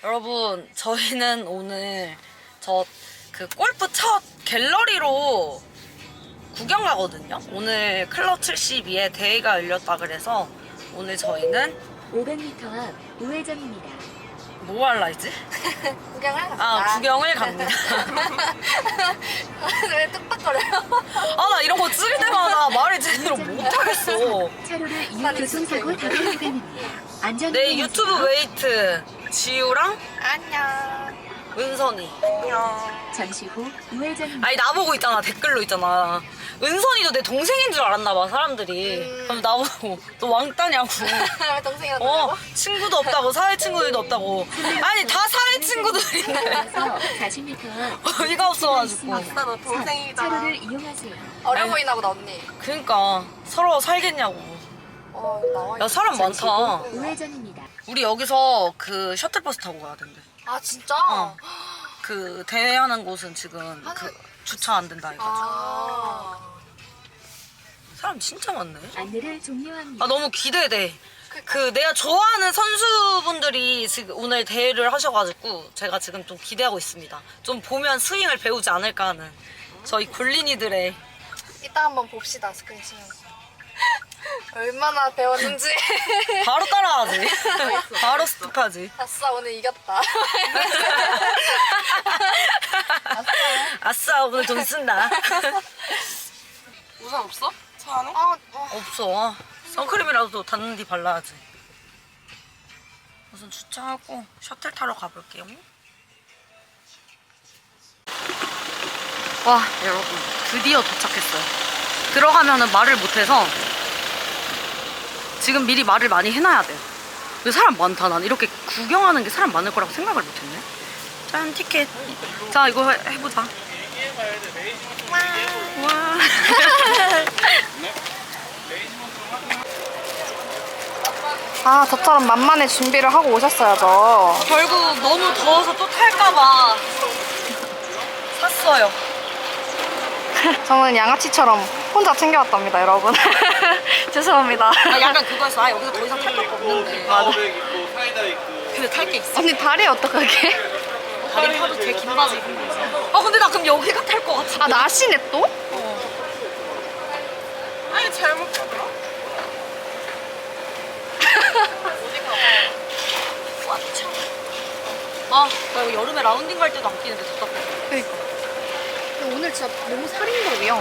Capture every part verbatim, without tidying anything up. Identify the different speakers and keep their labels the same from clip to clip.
Speaker 1: 여러분, 저희는 오늘 저 그 골프 첫 갤러리로 구경 가거든요. 오늘 클럽 칠십이에 대회가 열렸다 그래서 오늘 저희는
Speaker 2: 오백 미터 앞 우회전입니다.
Speaker 1: 뭐 할라 했지?
Speaker 3: 구경을 갑니다.
Speaker 1: 아, 구경을 갑니다.
Speaker 3: 왜 뚝딱거려요?
Speaker 1: 아, 나 이런 거 찍을 때마다 말을 제대로 못하겠어.
Speaker 2: 차로를 이용 교통사고 다발 구간입니다. 안전
Speaker 1: 내 유튜브 웨이트 지우랑
Speaker 3: 안녕.
Speaker 1: 은선이.
Speaker 3: 안녕.
Speaker 2: 잠시 후 우회전입니다.
Speaker 1: 아니, 나보고 있잖아. 댓글로 있잖아. 은선이도 내 동생인 줄 알았나 봐, 사람들이.
Speaker 3: 음.
Speaker 1: 그럼 나보고 너 왕따냐고.
Speaker 3: 왜 동생이라고?
Speaker 1: 어, 친구도 없다고, 사회 친구들도 없다고. 아니, 다 사회 친구들인데.
Speaker 2: 그래서 사십 미터 앞
Speaker 1: 어이가 없어가지고.
Speaker 3: 아싸, 너 동생이다.
Speaker 2: 차로를 이용하세요.
Speaker 3: 어려
Speaker 1: 아니.
Speaker 3: 보이나 보다, 언니.
Speaker 1: 그니까, 서로 살겠냐고.
Speaker 3: 어, 나와.
Speaker 1: 야, 사람
Speaker 2: 잠시
Speaker 1: 많다.
Speaker 2: 후 우회전입니다.
Speaker 1: 우리 여기서 그 셔틀버스 타고 가야 된대.
Speaker 3: 아, 진짜?
Speaker 1: 어. 그 대회하는 곳은 지금 그 주차 안 된다 해가지고.
Speaker 3: 아.
Speaker 1: 사람 진짜 많네.
Speaker 2: 안내를 종료합니다.
Speaker 1: 아, 너무 기대돼. 그 내가 좋아하는 선수분들이 지금 오늘 대회를 하셔가지고 제가 지금 좀 기대하고 있습니다. 좀 보면 스윙을 배우지 않을까 하는 저희 굴린이들의.
Speaker 3: 이따 한번 봅시다, 스크린 치면서. 얼마나 배웠는지.
Speaker 1: 바로 따라하지. 바로 스톱하지.
Speaker 3: 아싸, 오늘 이겼다.
Speaker 1: 아싸, 오늘 돈 쓴다.
Speaker 4: 우산 없어? 차 안에?
Speaker 3: 아, 어.
Speaker 1: 없어. 선크림이라도 닿는 뒤 발라야지. 우선 주차하고 셔틀 타러 가볼게요. 와, 여러분, 드디어 도착했어요. 들어가면은 말을 못해서 지금 미리 말을 많이 해놔야 돼요. 근데 사람 많다. 난 이렇게 구경하는 게 사람 많을 거라고 생각을 못했네. 짠, 티켓. 자, 이거 해, 해보자. 와. 와.
Speaker 3: 아, 저처럼 만만히 준비를 하고 오셨어야죠.
Speaker 1: 결국 너무 더워서 또 탈까봐 샀어요.
Speaker 3: 저는 양아치처럼 혼자 챙겨왔답니다, 여러분. 죄송합니다.
Speaker 1: 아, 약간 그거였어. 아, 여기서 더 이상 탈 거 없는데.
Speaker 4: 파워백 있고 사이다 있고.
Speaker 1: 근데 탈 게 있어.
Speaker 3: 언니 다리 어떡하게?
Speaker 1: 다리 펴도 되게 긴 바지 입은 거지. 아, 근데 나 그럼 여기가 탈 거 같은데.
Speaker 3: 아, 나시네 또?
Speaker 4: 아니 잘못 가더라.
Speaker 1: 아, 나 이거 여름에 라운딩 갈 때도 안 끼는데 답답해.
Speaker 3: 그니까. 근데 오늘 진짜 너무 살인적이야.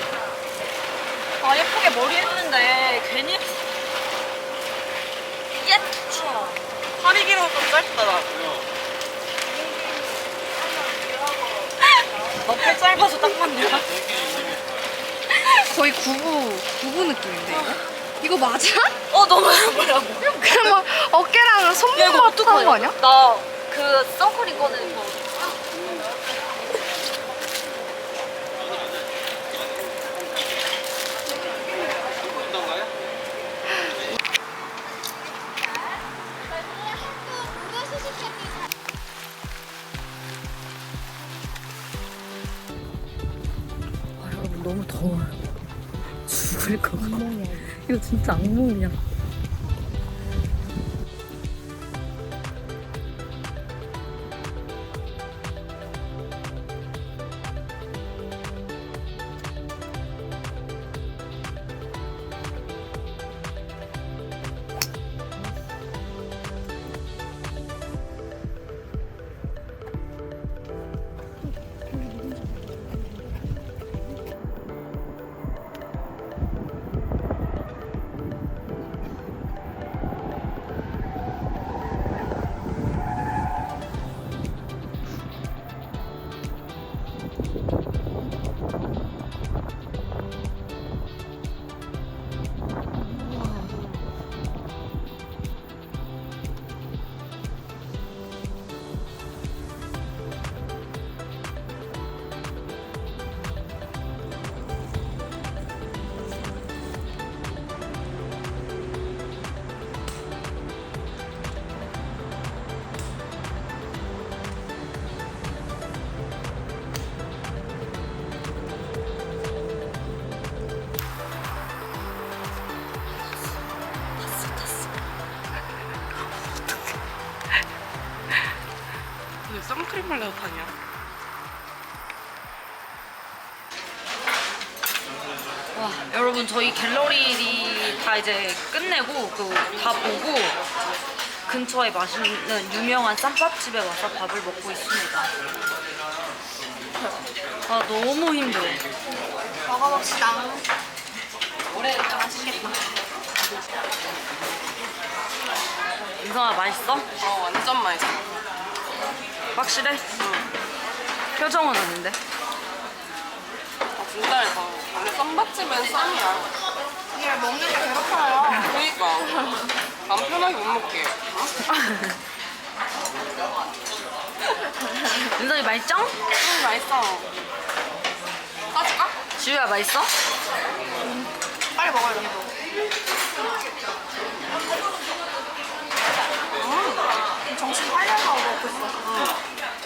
Speaker 1: 아, 예쁘게 머리 했는데 괜히 했어. 예!
Speaker 4: 팔이 길어서 좀 짧다 나.
Speaker 1: 너팔 짧아서 딱 맞냐?
Speaker 3: 거의 구부, 구부 느낌인데, 이거? 이거 맞아?
Speaker 1: 어, 너무 뭐라고.
Speaker 3: 그냥 막 어깨랑
Speaker 1: 야, 이거
Speaker 3: 손목만 하는 거
Speaker 1: 어떡하냐?
Speaker 3: 아니야?
Speaker 1: 나 그 선크림 꺼내는 거.
Speaker 4: 어떤가요?
Speaker 1: 아, 여러분, 너무 더워요. 죽을 것 같아. 이거 진짜 악몽이야.
Speaker 4: 목욕탕이야?
Speaker 1: 와, 여러분 저희 갤러리 다 이제 끝내고 그 다 보고 근처에 맛있는 유명한 쌈밥집에 와서 밥을 먹고 있습니다. 아 너무 힘들어.
Speaker 3: 먹어봅시다. 맛있겠다.
Speaker 1: 인성아 맛있어?
Speaker 4: 어 완전 맛있어.
Speaker 1: 확실해? 표정은 아닌데.
Speaker 4: 아 진짜 맛있어. 원래 쌈밥집은 쌈이야.
Speaker 3: 이게 먹는 게 배고파요.
Speaker 4: 그러니까 맘 편하게 못 먹게.
Speaker 1: 인성이 맛있죠?
Speaker 4: 음 맛있어. 까줄까?
Speaker 1: 지우야 맛있어?
Speaker 3: 빨리 먹어요. 음, 정신 팔려서 먹고 있어.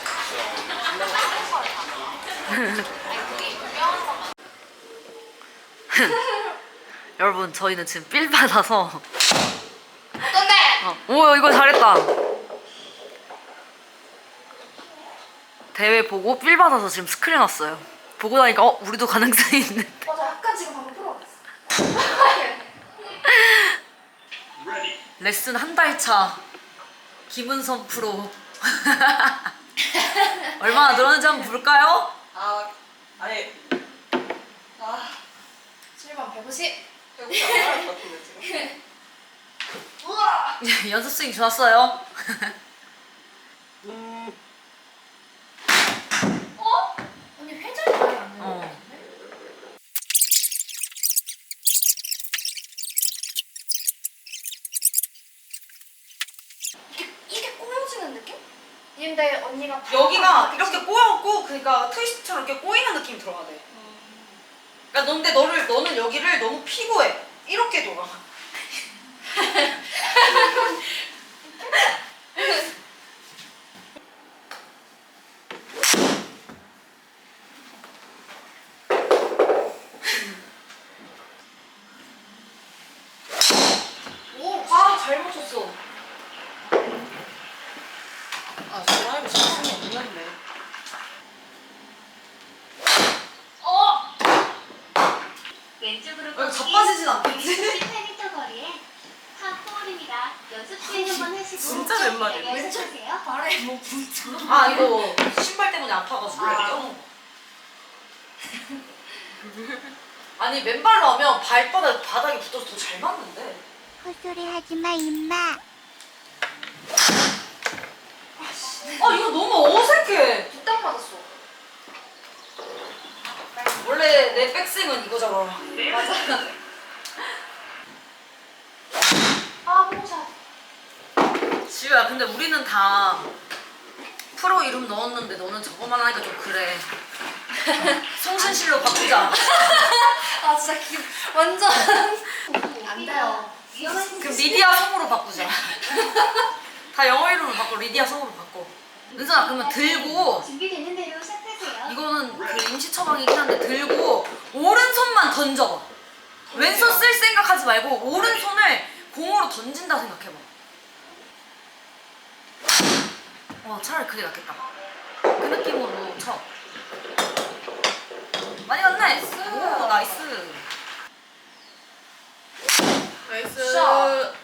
Speaker 1: 여러분 저희는 지금 삘 받아서
Speaker 3: 어떤데?
Speaker 1: 어, 오 이거 잘했다. 대회 보고 삘 받아서 지금 스크린 왔어요. 보고 나니까 어 우리도 가능성이 있는.
Speaker 3: 맞아, 약간 지금 방금 풀어봤어.
Speaker 1: 레슨 한 달 차 김은선 프로. 얼마나 늘었는지 한번 볼까요?
Speaker 4: 아 아니 아
Speaker 3: 칠번 백오십.
Speaker 4: 배고프지 않을 것 같은데 지금.
Speaker 3: 우와!
Speaker 1: 연습 스윙 좋았어요.
Speaker 3: 어? 언니 회전이 많이 안
Speaker 1: 어.
Speaker 3: 되는데? 이게, 이게 꼬여지는 느낌? 근데 언니가
Speaker 1: 여기가 이렇게 꼬였고 그러니까 트위스트처럼 이렇게 꼬이는 느낌이 들어가야 돼. 그러니까 넌데 너를 너는 여기를 너무 피고 해. 이렇게 돌아.
Speaker 3: 오,
Speaker 1: 아, 잘 맞췄어.
Speaker 4: 아 드라이브 자신이 없는데.
Speaker 3: 어!
Speaker 2: 왼쪽으로
Speaker 1: 어, 자빠지진 않겠지?
Speaker 2: 십팔 미터 거리에 탑볼입니다. 연습 수행 한번 하시고
Speaker 4: 진짜 웬 말이야?
Speaker 2: 연습하세요.
Speaker 3: 발에 뭐 진짜.
Speaker 1: 아 이거 신발 때문에 아파가지고. 아. 아니 맨발로 하면 발바닥 바닥에 붙어서 더 잘 맞는데.
Speaker 2: 헛소리 하지 마, 임마.
Speaker 1: 아 이거 너무 어색해.
Speaker 3: 뒷땅 맞았어.
Speaker 1: 원래 내 백스윙은 이거잖아.
Speaker 3: 맞아. 아, 봉사.
Speaker 1: 지우야 근데 우리는 다 프로 이름 넣었는데 너는 저거만 하니까 좀 그래. 송신실로 바꾸자.
Speaker 3: 아, 진짜 기 완전. 안 돼요.
Speaker 1: 그럼 리디아 성으로 바꾸자. 다 영어 이름으로 바꿔. 리디아 성으로 바꿔. 은선아 그러면 들고
Speaker 2: 준비되는 대로 시작하세요.
Speaker 1: 이거는 그 임시 처방이긴 한데 들고 오른손만 던져봐. 왼손 쓸 생각하지 말고 오른손을 공으로 던진다 생각해봐. 어 차라리 그게 낫겠다. 그 느낌으로 쳐. 많이 갔네. 오 나이스.
Speaker 4: 나이스.
Speaker 1: 샷.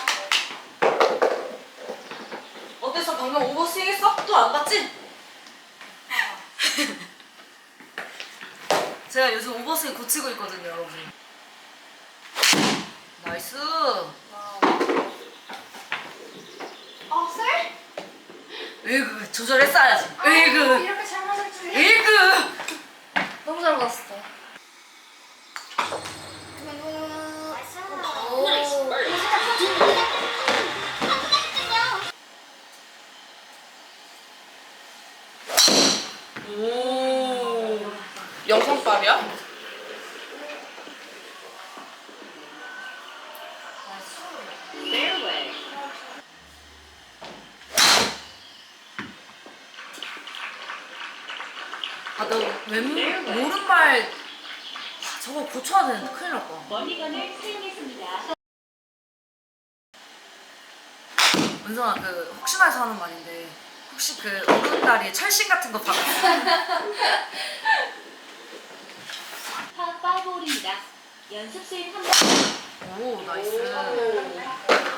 Speaker 1: 어땠어? 방금 오버스윙 했어? 또 안 봤지? 제가 요즘 오버스윙 고치고 있거든요, 여러분. 나이스.
Speaker 3: 아, 셀?
Speaker 1: 으이그 조절했어야지.
Speaker 3: 아,
Speaker 1: 으이그
Speaker 3: 이렇게 잘 맞을 줄이야.
Speaker 1: 으이그.
Speaker 3: 너무 잘 맞았어.
Speaker 1: 오.
Speaker 4: 영상빨이야?
Speaker 1: 아, 너 왼, 오른발 아, 저거 고쳐야 되는데 큰일 날 뻔.
Speaker 2: 멀리건을 사용했습니다.
Speaker 1: 은선아, 그 혹시나 해서 하는 말인데 혹시 그 오른다리에 철심 같은 거 박았어?
Speaker 2: 파 오 홀입니다. 연습 스윙 한 번.
Speaker 1: 오 나이스.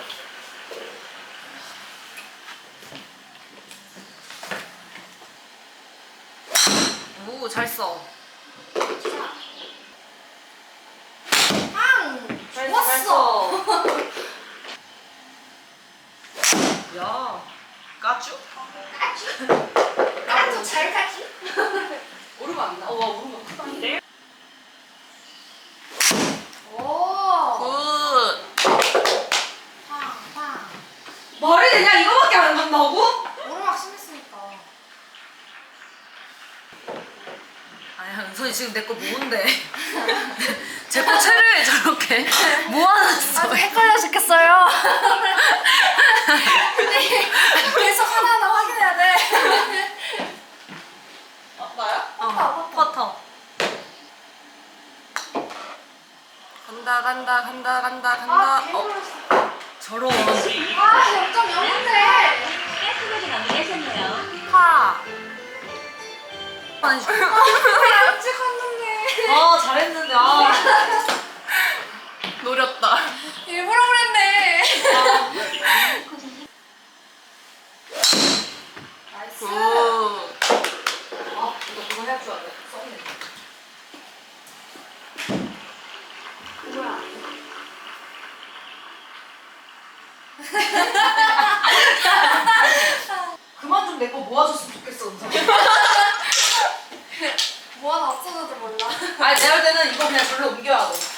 Speaker 1: 오 잘했어.
Speaker 3: 빵!
Speaker 1: 잘했어.
Speaker 3: 좋았어.
Speaker 1: 야 까쭈?
Speaker 3: 까지 잘 까지?
Speaker 4: 오르면 안 나. 와 오르면 크다.
Speaker 3: 오.
Speaker 1: 굿.
Speaker 3: 빵, 빵.
Speaker 1: 말이 되냐? 이거밖에 안 간다고?
Speaker 3: 오르막 심했으니까.
Speaker 1: 아야 은선이 지금 내 거 모은데. 제 거 채를 저렇게 모아놨어.
Speaker 3: 아주 헷갈려 죽겠어요. 근데 계속 하나하나 확인해야 돼.
Speaker 4: 아, 나야?
Speaker 1: 어, 퍼터. 간다 간다 간다 간다 간다.
Speaker 3: 아,
Speaker 1: 어
Speaker 3: 개놀랐어.
Speaker 1: 저런.
Speaker 3: 아, 영 점 영인데.
Speaker 2: 깔끔하게 마무리하셨네요.
Speaker 1: 파. 아니.
Speaker 3: 안 찍었는데.
Speaker 1: 아 잘했는데 아.
Speaker 4: 노렸다.
Speaker 3: 일부러 그랬네. 나이스.
Speaker 4: 굿.
Speaker 1: 아 이거 그거 해줄 줄 알아. 썩네.
Speaker 3: 뭐야?
Speaker 1: 그만 좀 내 거 모아줬으면 좋겠어 은선.
Speaker 3: 뭐 하나 없어져도 몰라.
Speaker 1: 아니 내가 볼 때는 이거 그냥 절로 옮겨야 돼.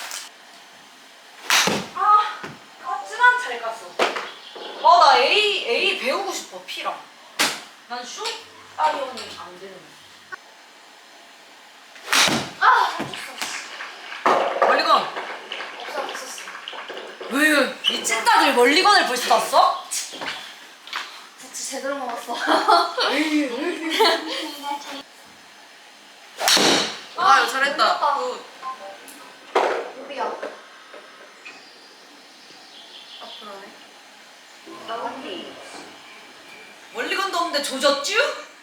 Speaker 1: 아 깠지만 잘 깠어. 아나 A A 배우고 싶어 P랑. 난 슛 따위오는 안 되는.
Speaker 3: 아, 쳤어.
Speaker 1: 멀리건.
Speaker 3: 없어, 없었어.
Speaker 1: 왜? 이 찐따들 멀리건을 벌써 땄어?
Speaker 3: 부츠 제대로 먹었어.
Speaker 4: 아 이거 잘했다.
Speaker 3: 놀랐다.
Speaker 4: 굿.
Speaker 3: 우리야.
Speaker 4: 앞으로네.
Speaker 1: 멀리건도 없는데 조졌쥬?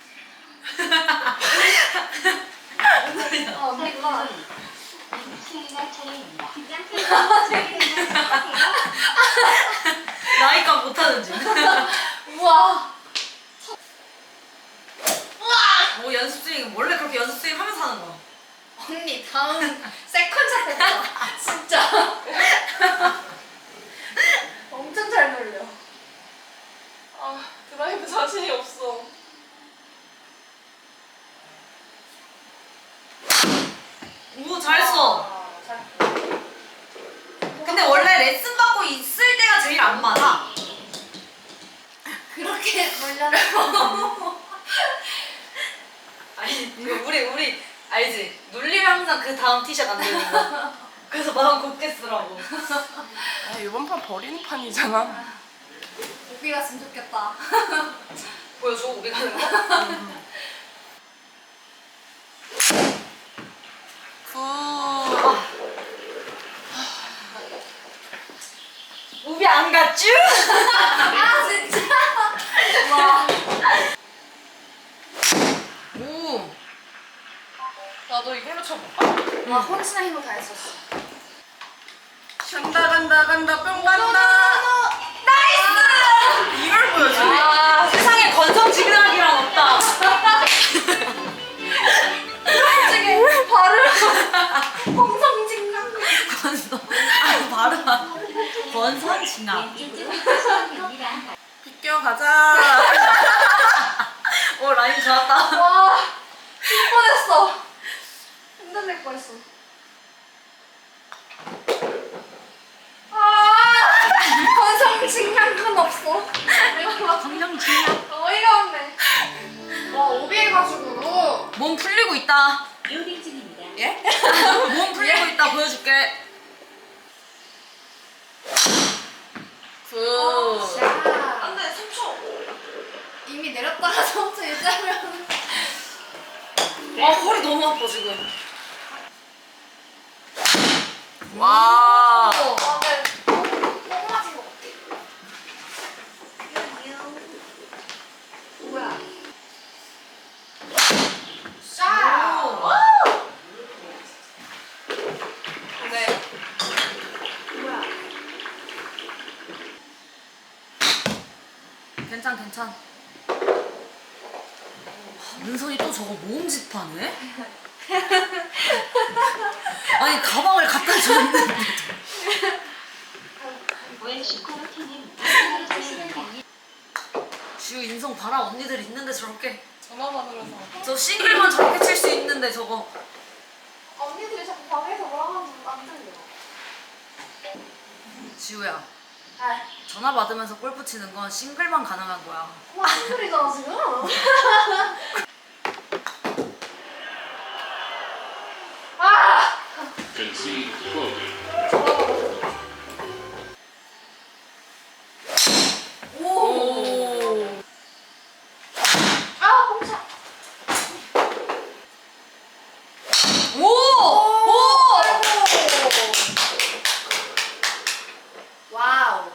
Speaker 3: 아, 언니가.
Speaker 2: 수행할 차례입니다.
Speaker 1: 나이가 못하는 중.
Speaker 3: 우와.
Speaker 1: 뭐 연습 스윙 원래 그렇게 연습 스윙 하면서 하는 거야.
Speaker 3: 언니, 다음 세컨샷 했다. 진짜. 엄청 잘 놀려.
Speaker 4: 아 드라이브 자신이 없어.
Speaker 1: 오 잘했어.
Speaker 3: 아, 잘.
Speaker 1: 근데 원래 레슨 받고 있을 때가 제일 안 맞아.
Speaker 3: 그렇게 놀려놓고.
Speaker 1: 아니 이거 우리 우리 알지? 놀리면 항상 그 다음 티샷 안 되는 거. 그래서 마음 곱게 쓰라고.
Speaker 4: 아 이번 판 버리는 판이잖아.
Speaker 3: 오비 갔으면 좋겠다.
Speaker 1: 보여줘 우리 가는 거.
Speaker 4: 굿.
Speaker 1: 우비 안 갔쥬?
Speaker 3: 아, 진짜. 와.
Speaker 1: 오.
Speaker 4: 나도 이걸로 쳐볼까?
Speaker 3: 와, 혼신의 힘을 다했었어.
Speaker 4: 간다 간다 간다 뿅 간다.
Speaker 3: 나이스!
Speaker 4: 이걸 보여주네.
Speaker 1: 아 세상에 건성지근하기란 없다.
Speaker 3: 솔직히 발음 홍성진강.
Speaker 1: 건성. 아 발음. 건성징악.
Speaker 2: 수행합니다.
Speaker 4: 비껴 가자.
Speaker 1: 오 라인 좋았다.
Speaker 3: 와, 질 뻔했어. 흔들릴 뻔했어. 아, 건성진강 건 없어.
Speaker 1: 건성징악.
Speaker 3: 어이가 없네. 와, 오비 해가지고.
Speaker 1: 몸 풀리고 있다.
Speaker 2: 로딩 중입니다.
Speaker 4: 예?
Speaker 1: 몸 풀리고 있다 보여줄게.
Speaker 4: 굿.
Speaker 3: 자,
Speaker 1: 안돼 삼 초.
Speaker 3: 이미 내렸다가 처음부터 유지하면.
Speaker 1: 아 허리 너무 아파 지금.
Speaker 4: 와.
Speaker 3: 아, 네. 똥 맞은 것 같아. 뭐야?
Speaker 1: 괜찮 괜찮. 은선이 또 저거 모음집 하네? 아니 가방을 갖다 줬는데
Speaker 2: 왜 슈퍼루틴은
Speaker 1: 지우 인성 봐라. 언니들 있는데 저렇게
Speaker 4: 전화 받으러서.
Speaker 1: 저 싱글만 저렇게 칠 수 있는데 저거.
Speaker 3: 언니들이 자꾸 방에서 뭐라고 하는지 안 들려.
Speaker 1: 지우야
Speaker 3: 아,
Speaker 1: 전화 받으면서 골프 치는 건 싱글만 가능한 거야.
Speaker 3: 무슨 소리잖아 지금. 아!
Speaker 5: Concede quoted.
Speaker 1: 오.
Speaker 3: 아, 꽁차.
Speaker 1: 오! 오!
Speaker 3: 와우.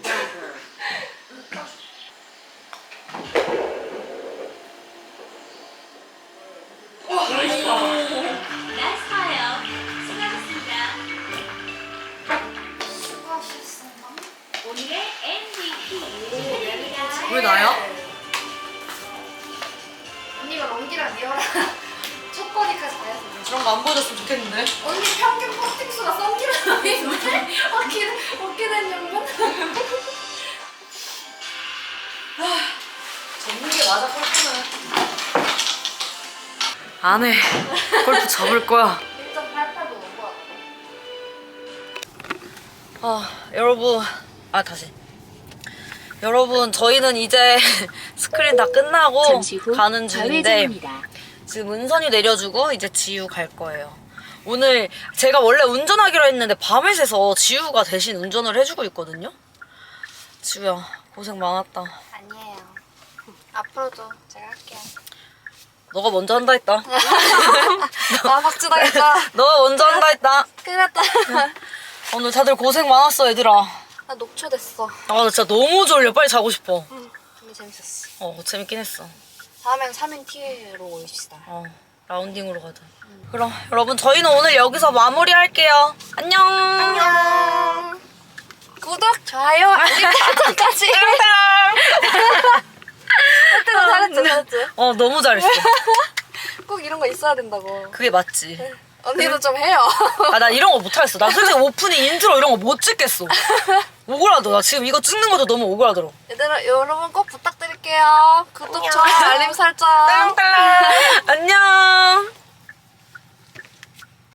Speaker 2: 나이스파요. 수고하셨습니다.
Speaker 3: 수고하셨습니다.
Speaker 2: 오늘의 엠브이피 축하드립니다.
Speaker 1: 왜 나야?
Speaker 3: 언니가 런기랑 리어랑 첫 번이까지 다 했어.
Speaker 1: 저런 거 안 보여줬으면 좋겠는데.
Speaker 3: 언니 평균 퍼팅 수가 썸기라는데 어깨 어깨 된장면.
Speaker 1: 접는 게 맞아 골프는. 안 해. 골프 접을 거야.
Speaker 3: 일 점 팔팔도 넘어.
Speaker 1: 아 여러분 아 다시 여러분 저희는 이제 스크린 다 끝나고
Speaker 2: 잠시 후
Speaker 1: 가는 중인데
Speaker 2: 좌회전입니다.
Speaker 1: 지금 은선이 내려주고 이제 지우 갈 거예요. 오늘 제가 원래 운전하기로 했는데 밤에 새서 지우가 대신 운전을 해주고 있거든요. 지우야 고생 많았다.
Speaker 3: 아니에요. 앞으로도 제가 할게요.
Speaker 1: 너가 먼저 한다 했다.
Speaker 3: 아 박주당했다.
Speaker 1: 너가 먼저 한다 했다.
Speaker 3: 큰일 났다.
Speaker 1: 오늘 다들 고생 많았어 얘들아.
Speaker 3: 나 녹초됐어.
Speaker 1: 아 나 진짜 너무 졸려. 빨리 자고 싶어.
Speaker 3: 응. 근데 재밌었어.
Speaker 1: 어 재밌긴 했어.
Speaker 3: 다음엔 삼 인 티로 오십시다.
Speaker 1: 어, 라운딩으로 가자. 그럼 여러분 저희는 오늘 여기서 마무리할게요. 안녕.
Speaker 3: 안녕. 구독, 좋아요, 알림 설정까지. 그때도 잘했지, 잘했지.
Speaker 1: 어 너무 잘했어.
Speaker 3: 꼭 이런 거 있어야 된다고.
Speaker 1: 그게 맞지.
Speaker 3: 언니도 좀 해요.
Speaker 1: 아 나 이런 거 못하겠어. 나 솔직히 오프닝 인트로 이런 거 못 찍겠어. 억울하더라. 나 지금 이거 찍는 것도 너무 억울하더라.
Speaker 3: 얘들아, 여러분 꼭 부탁드릴게요. 구독, 좋아요, 알림 설정.
Speaker 1: 딸랑딸랑.